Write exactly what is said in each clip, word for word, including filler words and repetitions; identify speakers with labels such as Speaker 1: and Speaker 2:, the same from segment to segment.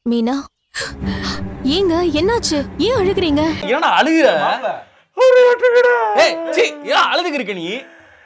Speaker 1: மீனா, ஏங்க என்னாச்சு? ஏன் அழுகுறீங்க?
Speaker 2: ஏன்னா அழுகுற? ஏய் சீ, ஏன் அழுதுக்கு இருக்க நீ?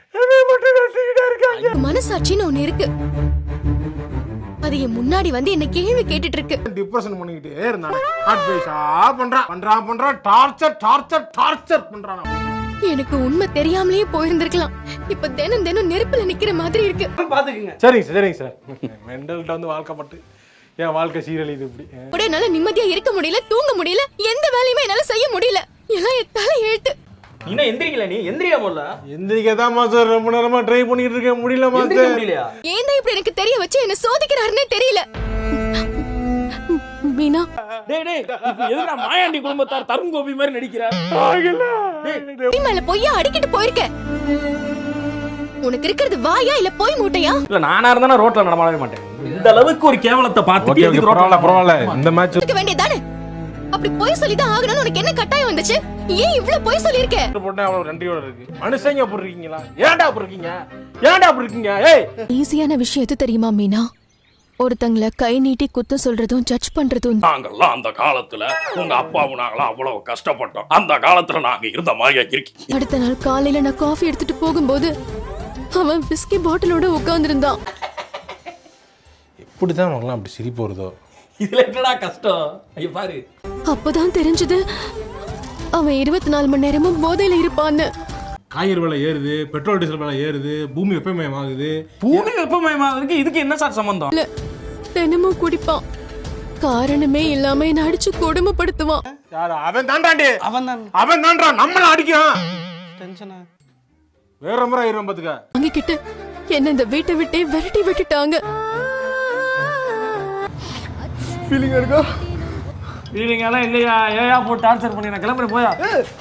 Speaker 1: மனசாட்சின்னு ஒண்ணு இருக்கு. அது என் முன்னாடி வந்து என்ன கேள்வி கேட்டுட்டு இருக்கு.
Speaker 3: டிப்ரஷன் பண்ணிக்கிட்டே இருந்தானே. அட்வைஸா பண்றான் பண்றான் பண்றான் டார்ச்சர் டார்ச்சர் டார்ச்சர் பண்றான்.
Speaker 1: எனக்கு உண்மை தெரியாமலே போயிருந்திருக்கலாம். இப்ப தினம் தினம் நெருப்புல நிக்கிற மாதிரி இருக்கு.
Speaker 2: பாத்துக்குங்க.
Speaker 3: சரிங்க சார் சரிங்க சார். மெண்டல்ட்ட வந்து வாழ்க்கப்பட்டு என் வாழ்க்கை சீரழியுது இப்படி.
Speaker 1: அப்படியே என்னால நிம்மதியா இருக்க முடியல, தூங்க முடியல, எந்த வேலையுமே என்னால செய்ய முடியல. எல்லாம் என் தலை எழுத்து.
Speaker 2: நீ எந்திரிக்கல, நீ எந்திரியா போல.
Speaker 3: எந்திரிக்கதான் மாஸ்டர் ரொம்ப நேரமா ட்ரை பண்ணிட்டு இருக்கேன், முடியல மாஸ்டர்.
Speaker 2: முடியலையா?
Speaker 1: ஏன் தான் இப்படி எனக்கு தெரிய வச்சு என்ன சோதிக்கிறாருன்னே தெரியல. மீனா,
Speaker 2: டேய் டேய், இப்போ எதுடா மாயாண்டி குடும்பத்தார் தருண் கோபி மாதிரி நடிக்கிற?
Speaker 1: நீ மேல பொய்யா அடிக்கிட்டு போயிருக்க. உனக்கு இருக்கிறது வாயா இல்ல போய் மூட்டையா?
Speaker 2: இல்ல நானா இருந்தா ரோட்ல நடமாடவே மாட்டேன். இந்த அளவுக்கு ஒரு கேவலத்தை பார்த்துட்டு எதுக்கு ரோட்ல
Speaker 3: பரவாயில்ல இந்த மேட்ச்
Speaker 1: இருக்க வேண்டியதானே? அப்படி போய் சொல்லி தான் ஆகணும்னு உனக்கு என்ன கட்டாயம் வந்துச்சு? ஏன் இவ்ளோ போய் சொல்லிருக்க?
Speaker 3: போட்டா அவ்வளவு நன்றியோட இருக்கு. மனுஷங்க அப்படி இருக்கீங்களா? ஏன்டா அப்படி இருக்கீங்க? ஏன்டா அப்படி இருக்கீங்க? ஏய்,
Speaker 1: ஈஸியான விஷயம் எது தெரியுமா மீனா? ஒருத்தங்கள கை நீட்டி குத்த சொல்றதும் ஜட்ஜ் பண்றதும்.
Speaker 4: நாங்கெல்லாம் அந்த காலத்துல உங்க அப்பாவும் நாங்களாம் அவ்வளவு கஷ்டப்பட்டோம். அந்த காலத்துல நாங்க இருந்த மாதிரியா இருக்கீங்க.
Speaker 1: அடுத்த நாள் காலையில நான் காஃபி எடுத்துட்டு போகும்போது அவன் விஸ்கி பாட்டிலோட உட்கார்ந்திருந்தான்.
Speaker 3: எப்படிதான் நமக்குலாம் அப்படி சிரிப்பு வருதோ?
Speaker 2: இதுல என்னடா கஷ்டம்? ஐய பாரு.
Speaker 1: அப்பதான் தெரிஞ்சது அவன் இருபத்தி நாலு மணி நேரமும் போதையில இருப்பான்னு.
Speaker 3: காய்கறி விலை ஏறுது, பெட்ரோல் டீசல் விலை ஏறுது, பூமி வெப்பமயமாகுது.
Speaker 2: பூமி வெப்பமயமாகிறதுக்கு இதுக்கு என்ன சார் சம்பந்தம்?
Speaker 1: இல்ல, தினமும் குடிப்பான். காரணமே இல்லாம என்ன அடிச்சு கொடுமைப்படுத்துவான்.
Speaker 3: யாரு அவன்? தாண்டாண்டி
Speaker 2: அவன் தான்.
Speaker 3: அவன் தான்றா நம்மள அடிக்கிறான்.
Speaker 2: டென்ஷனா?
Speaker 3: வேற முறை ஆயிரும் பாத்துக்க.
Speaker 1: வாங்கிக்கிட்டு என்ன இந்த வீட்டை விட்டே விரட்டி விட்டுட்டாங்க.
Speaker 3: ஃபீலிங் இருக்கா?
Speaker 2: ஃபீலிங் எல்லாம் இல்லையா? ஏயா போட்டு டார்ச்சர் பண்ணி நான் கிளம்புறேன் போயா.